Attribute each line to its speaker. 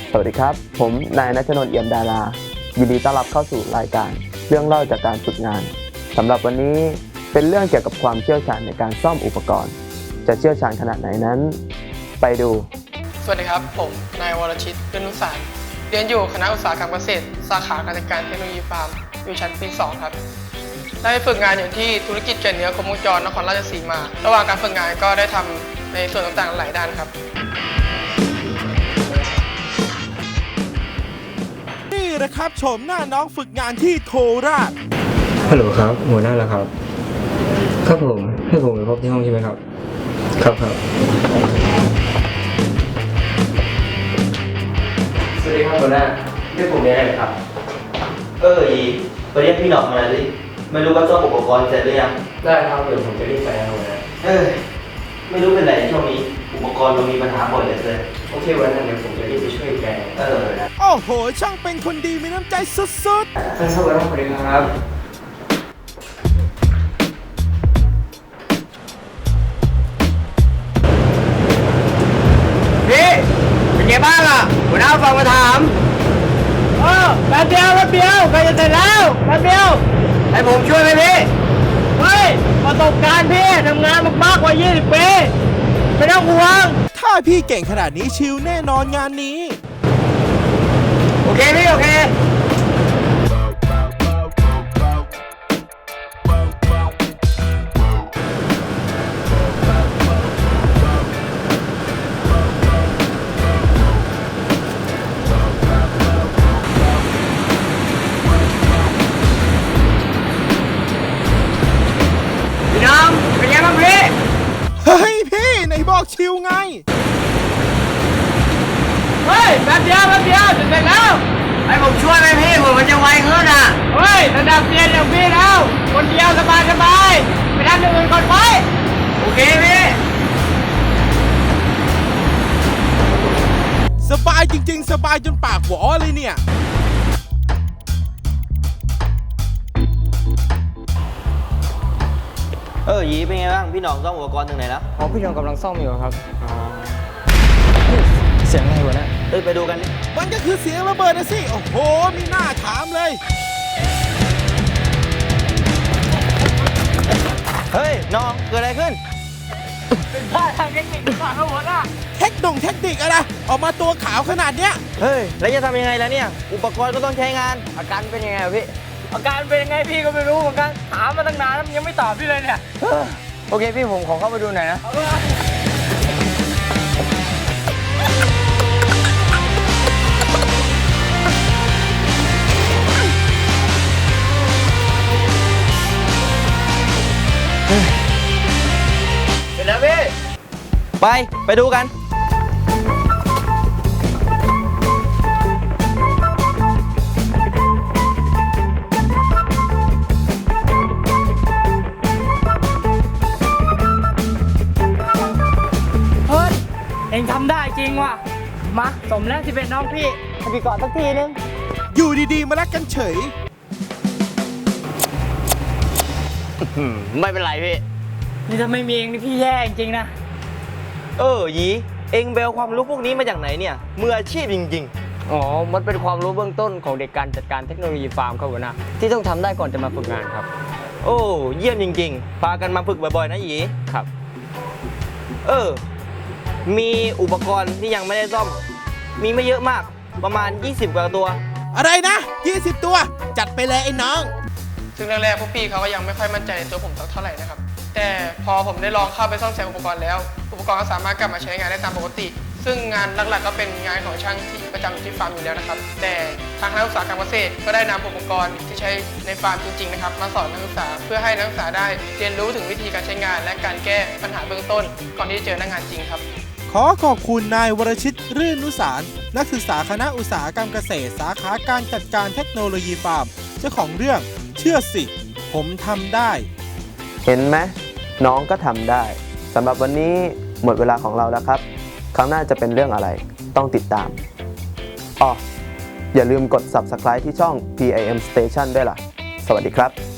Speaker 1: สวัสดีครับผมนายณัฐนนท์เอี่ยมดารายินดีต้อนรับเข้าสู่รายการเรื่องเล่าจากการฝึกงานสำหรับวันนี้เป็นเรื่องเกี่ยวกับความเชี่ยวชาญในการซ่อมอุปกรณ์จะเชี่ยวชาญขนาดไหนนั้นไปดู
Speaker 2: สวัสดีครับผมนายวรชิตเรือนนุสารเรียนอยู่คณะอุตสาหกรรมเกษตรสาขาการจัดการเทคโนโลยีฟาร์มอยู่ชั้นปี 2 ครับได้ฝึกงานอยู่ที่ธุรกิจเกษตรเนื้อครบวงจรนครราชสีมาระหว่างการฝึกงานก็ได้ทำในส่วนต่างๆหลายด้านครับ
Speaker 3: นี่นะครับชมหน้าน้องฝึกงานที่โคราช
Speaker 4: ฮัลโหลครับหัวหน้าแล้วครับครับผมให้ผมไปพบที่ห้องใช่ไหมครับครับสวัสดีครับหัวหน้าเรียกผมได้ไหมครับ
Speaker 5: อีไปเรียกพี่หนอกมาหน่อยสิไม่รู้ว่าซ่อมอุปกรณ์เสร็จหรือยัง
Speaker 4: ได้ครับเดี๋ยวผมจะรีบไปนะหัวหน้า
Speaker 5: ไม่รู้เป็นไรช่วงนี้อุปกรณ์มันมีปัญหาบ่อยเหลือเกิน
Speaker 4: โอเคหัวหน้าเดี๋ยวผมจะรีบไปช่วยแก
Speaker 5: นะ
Speaker 3: โอ้โหช่างเป็นคนดีมีน้ำใจสุด
Speaker 4: ท่านเข้าไปห้องสวัสดีครับพี่เป็นไงบ้างล่ะหัวหน้าฟังมาถาม
Speaker 6: แป๊บเดียวใกล้จะเสร็จแล้วแป๊บเดียว
Speaker 4: ให้ผมช่วยไหมพี่
Speaker 6: เฮ้ยประสบการณ์พี่ทำงานมากกว่า20 ปีไม่ต้องห่วง
Speaker 3: ๆถ้าพี่เก่งขนาดนี้ชิลแน่นอนงานนี้
Speaker 4: โอเคพี่โอเคพี่น้องเป็นไงบ้างพี่
Speaker 3: เฮ้ยพี่ไหนบอกชิลไง
Speaker 6: เฮ้ยแป๊บเดียวจะเสร็จแล้ว
Speaker 4: ให้ผมช่วยไหมพี่ผมมันจะไวขึ้นอ่ะ
Speaker 6: เฮ้ยระดับเรียนอย่างพี่แล้วคนเดียวสบายไปทำอย่างอื่นก่อนไป
Speaker 4: โอเคพี่
Speaker 3: สบายจริงๆสบายจนปากหวอเลยเนี่ย
Speaker 5: ยีเป็นไงบ้างพี่หนองซ่อมอุปกรณ์ถึงไหนแล้ว
Speaker 4: พี่น้องกำลังซ่อมอยู่ครับเสียงอะไรวะเนี่ย
Speaker 5: ไปดูกันดิ
Speaker 3: มันก็คือเสียงระเบิดนะสิโอ้โหมีหน้าถามเลย
Speaker 5: เฮ้ยน้องเกิดอะไรขึ้น
Speaker 6: เป็นท่าทางเทคนิคหรือเปล่าครับหัวหน้า
Speaker 3: เทคนิคอะไรออกมาตัวขาวขนาดเนี้ย
Speaker 5: เฮ้ยแล้วจะทำยังไงล่ะเนี่ยอุปกรณ์ก็ต้องใช้งาน
Speaker 6: อาการเป็นยังไงพี่อาการเป็นยังไงพี่ก็ไม่รู้เหมือนกันถามมาตั้งนานแล้วยังไม่ตอบพี่เลยเนี่ย
Speaker 4: โอเคพี่ผมขอเข้าไปดูหน่อยนะ
Speaker 5: เสร็จแล้วพี่ไปดูกัน
Speaker 6: เองทำได้จริงว่ะมาสมแล้วที่เป็นน้องพี่ให้พี่กอดสักทีนึง
Speaker 3: อยู่ดีๆมารักกันเฉย
Speaker 5: ไม่เป็นไรพี่
Speaker 6: นี่ถ้าไม่มีเองนี่พี่แย่จริงๆนะ
Speaker 5: ยีเองเบลความรู้พวกนี้มาจากไหนเนี่ยมืออาชีพจริง
Speaker 4: อ๋อมันเป็นความรู้เบื้องต้นของเด็กการจัดการเทคโนโลยีฟาร์มครับหัวหน้าที่ต้องทำได้ก่อนจะมาฝึกงานครับ
Speaker 5: เยี่ยมจริงๆพากันมาฝึกบ่อยๆนะยี
Speaker 4: ครับ
Speaker 5: มีอุปกรณ์ที่ยังไม่ได้ซ่อมมีไม่เยอะมากประมาณ20กว่าตัว
Speaker 3: อะไรนะ20ตัวจัดไปเลยไอ้น้อง
Speaker 2: ซึ่งแรกๆพวกพี่เขาก็ยังไม่ค่อยมั่นใจในตัวผมสักเท่าไหร่นะครับแต่พอผมได้ลองเข้าไปซ่อมแซมอุปกรณ์แล้วอุปกรณ์ก็สามารถกลับมาใช้งานได้ตามปกติซึ่งงานหลักๆก็เป็นงานของช่างที่ประจำที่ฟาร์มอยู่แล้วนะครับแต่ทางนักศึกษาการเกษตรก็ได้นำอุปกรณ์ที่ใช้ในฟาร์มจริงๆนะครับมาสอนนักศึกษาเพื่อให้นักศึกษาได้เรียนรู้ถึงวิธีการใช้งานและการแก้ปัญหาเบื้องต้นก่อนที่จะเจอหน้างานจริงครับ
Speaker 3: ขอขอบคุณนายวรชิตรื่นนุสารนักศึกษาคณะอุตสาหกรรมเกษตรสาขาการจัดการเทคโนโลยีฟาร์มเจ้าของเรื่องเชื่อสิผมทำได้
Speaker 1: เห็นไหมน้องก็ทำได้สำหรับวันนี้หมดเวลาของเราแล้วครับครั้งหน้าจะเป็นเรื่องอะไรต้องติดตามอย่าลืมกด Subscribe ที่ช่อง PIM Station ด้วยล่ะสวัสดีครับ